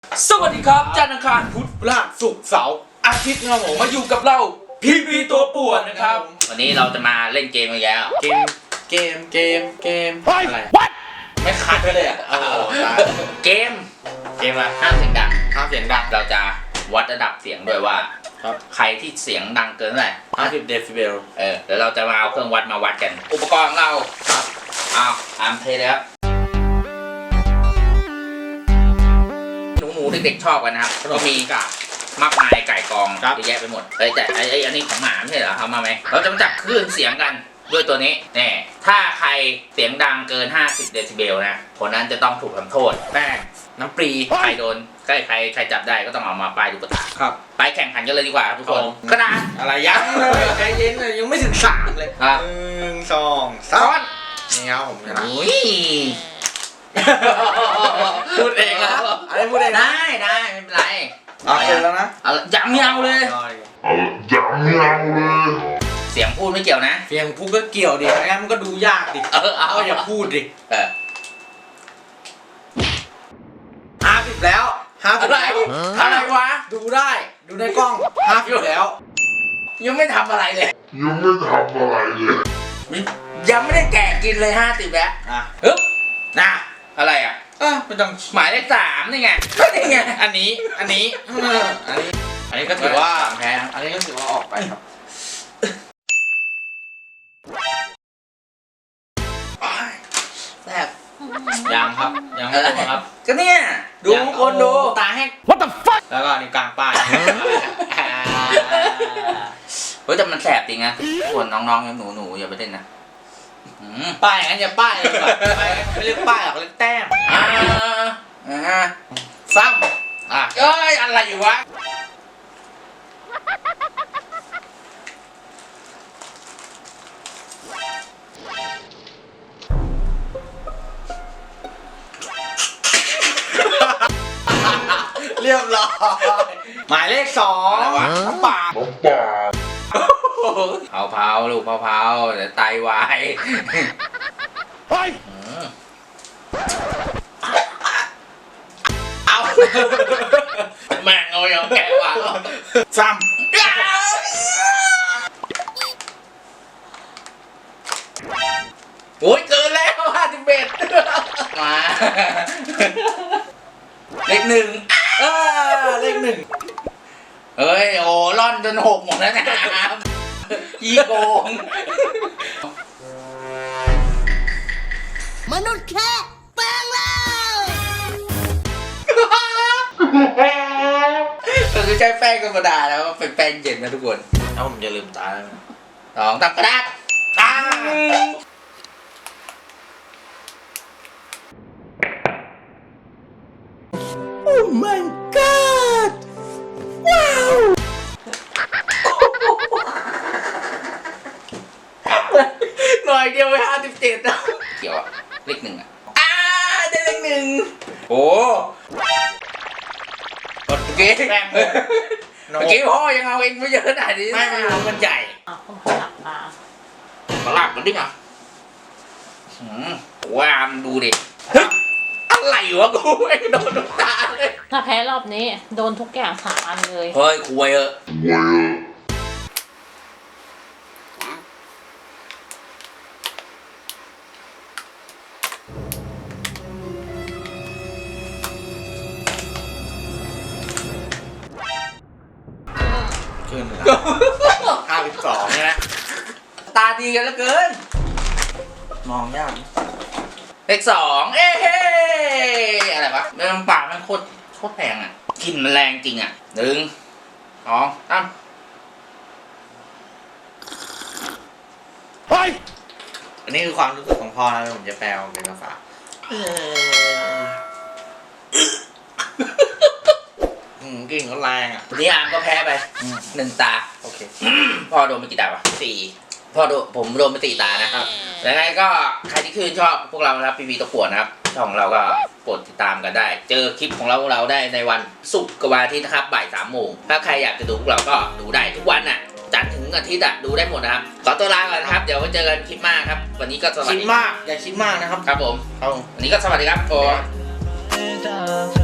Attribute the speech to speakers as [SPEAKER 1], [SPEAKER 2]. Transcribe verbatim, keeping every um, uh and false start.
[SPEAKER 1] สวัสดีครับจันทร์อังคารพุธพฤหัสศุกร์เสาร์อาทิตย์นะครับผมมาอยู่กับเราพีพีตัวป่วนนะครับ
[SPEAKER 2] วันนี้เราจะมาเล่นเกมกันแล้ว
[SPEAKER 1] เกมเกมเกมเกมอะไรไม่คัดไปเลยอ่ะโอ้โห
[SPEAKER 2] เกมเกมอะไรห้ามเสียงดัง
[SPEAKER 1] ห้ามเสียงดัง
[SPEAKER 2] เราจะวัดระดับเสียงด้วยว่าใครที่เสียงดังเกินเท่าไหร่
[SPEAKER 1] ห้าสิบเดซิเบล
[SPEAKER 2] เออเดี๋ยวเราจะมาเอาเครื่องวัดมาวัดกันอุปกรณ์ของเราครับเอาตามเทเลยครับหนูๆเด็กๆชอบกันนะครับก็มีกะมากมายไก่กองเยอะแยะไปหมดเฮ้ยแต่ไอ้ไอ้อันนี้ของหมาไม่ใช่เหรอทำมาไหมเราจะมาจับคลื่นเสียงกันด้วยตัวนี้แน่ถ้าใครเสียงดังเกินห้าสิบเดซิเบลนะคนนั้นจะต้องถูกทำโทษ
[SPEAKER 1] แป้งน้ำปรี
[SPEAKER 2] ใครโดนใครใครใครจับได้ก็ต้องเอามาป้ายลูกตา
[SPEAKER 1] ครับ
[SPEAKER 2] ไปแข่งขันกันเลยดีกว่าทุกคนกระดาษ
[SPEAKER 1] อะไรยังเลยใจเย็นเลยยังไม่ถึงสามเลยหนึ่งสองสามนี่ครับผมนะพูดเองแล้วอะไรพูดเอง
[SPEAKER 2] ได้ได้ไม่เป็นไร
[SPEAKER 1] เอาเสร็จแล้วนะ
[SPEAKER 2] ยังไม่เอาเลย
[SPEAKER 3] ยังไม่เอาเลย
[SPEAKER 2] เสียงพูดไม่เกี่ยวนะ
[SPEAKER 1] เสียงพูดก็เกี่ยวดิงั้นมันก็ดูยากดิ
[SPEAKER 2] เออเอา
[SPEAKER 1] อย่าพูดดิ
[SPEAKER 2] เออ
[SPEAKER 1] ห้าสิบแล้วห้าสิบแล้ว
[SPEAKER 2] อะไรวะ
[SPEAKER 1] ดูได้ดูในกล้องห้าสิบแล้ว
[SPEAKER 2] ยังไม่ทำอะไรเลย
[SPEAKER 3] ยังไม่ทำอะไรเลย
[SPEAKER 2] ยังไม่ได้แกะกินเลยห้าสิบแล้ว
[SPEAKER 1] อ่ะ
[SPEAKER 2] ฮึบนะอะไรอ่ะ
[SPEAKER 1] เออไม่ต้อง
[SPEAKER 2] หมายเลขสามนี่ไงนี่ไง
[SPEAKER 1] อันนี้อันนี้อันนี้อันนี้ก็ถือว่าแพ้อันนี้ก็ถือว่าออกไปครับ
[SPEAKER 2] แซ่บ
[SPEAKER 1] ยังครับยังไม่ถูกครับ
[SPEAKER 2] ก็เนี่ยดูคนดู
[SPEAKER 1] ตาแห้ง What the fuck แล้วก็นี่กลางป้าย
[SPEAKER 2] เฮ้ยแต่มันแสบจริงนะส่วนน้องๆหนูๆอย่าไปเล่นนะ
[SPEAKER 1] ป้ายงั้นอย่าป้ายเลยไม่เรียกป้ายหรอกเรียกแต้ม
[SPEAKER 2] อ่าอ่า
[SPEAKER 1] ซ้ำอ่ะ
[SPEAKER 2] เอ้ยอะไรอยู่วะ
[SPEAKER 1] เรียบร้อยหมายเลขสองน้ำปลา
[SPEAKER 3] น้ำปลา
[SPEAKER 2] เผาเผาลูกเผาเผาเดี๋ยวไตวาย
[SPEAKER 1] เฮ้ย
[SPEAKER 2] เอาแม่งเอาอย่างแกว่ะ
[SPEAKER 1] ซ้ำ
[SPEAKER 2] โอ้ยเกินแล้วห้าสิบเอ็ดมาเลขหนึ่ง
[SPEAKER 1] เออเลขหนึ่ง
[SPEAKER 2] เฮ้ยโอ้ล่อนจนหกหมดแล้วนะยี่โกง
[SPEAKER 4] มนุษย์แค่แปลงแล้ว
[SPEAKER 2] ก็คือใช้แป้งธรรมดาแล้วเป็นแป้งเย็นนะทุกคน
[SPEAKER 1] ถ้าผมจะลืมตาแล้ว
[SPEAKER 2] สองตับกระดาษตา
[SPEAKER 4] โอ้ my god ว้าว
[SPEAKER 2] หน่อยเดียวไปห้าสิบเจ็ดแล้วเกี่ยวอะเลขหนึ่งอะอ่าได้เลขหนึ่งโอ้เมื่อกี้เมื่อกี้พ่อยังเอาเองไม่เยอะขนาดนี้
[SPEAKER 1] ไม่ไม่เอามันใหญ่
[SPEAKER 4] อ่ะผมขยับมา
[SPEAKER 2] ขลับมันดิอ่ะว้ามดูดิอะไรวะกูไม่โดนทุกตาเลย
[SPEAKER 4] ถ้าแพ้รอบนี้โดนทุกอย่างสามอันเลย
[SPEAKER 2] เฮ้ยคุยเออ
[SPEAKER 1] ขึ้นห้าสิบสองใช่ไหม
[SPEAKER 2] ตาดีกันเหลือเกิน
[SPEAKER 1] มองยาก
[SPEAKER 2] เลขสองเอ้เฮ้อะไรวะเรื่องปากมันโคตรโคตรแพงอ่ะกลิ่นมันแรงจริงอ่ะหนึ่งสองสาม
[SPEAKER 1] เฮ้ยอันนี้คือความรู้สึกของพ่อนะผมจะแปลเป็นภาษาอืมกลิ่นก็แรงอ่ะ
[SPEAKER 2] นี่อาร์มก็แพ้ไปหนึ่งตา
[SPEAKER 1] โอเค
[SPEAKER 2] พ่อโดนไปกี่ตาวะสี่พ่อโดนผมโดนไปสี่ตานะครับแล้วไงก็ใครที่ชื่นชอบพวกเรานะครับพีพีตะกั่วนะครับช่องเราก็กดติดตามกันได้เจอคลิปของเราพวกเราได้ในวันศุกร์กับวันอาทิตย์นะครับบ่ายสามโมงถ้าใครอยากจะดูพวกเราก็ดูได้ทุกวันน่ะจันทร์ถึงอาทิตย์อ่ะดูได้หมดนะครับขอตัวลาก่อนนะครับเดี๋ยวไว้เจอกันคลิปหน้าครับวันนี้ก็สวัสดี
[SPEAKER 1] คิดมากอย่าคิดมากนะครับ
[SPEAKER 2] ครับผมวันนี้ก็สวัสดีครับผม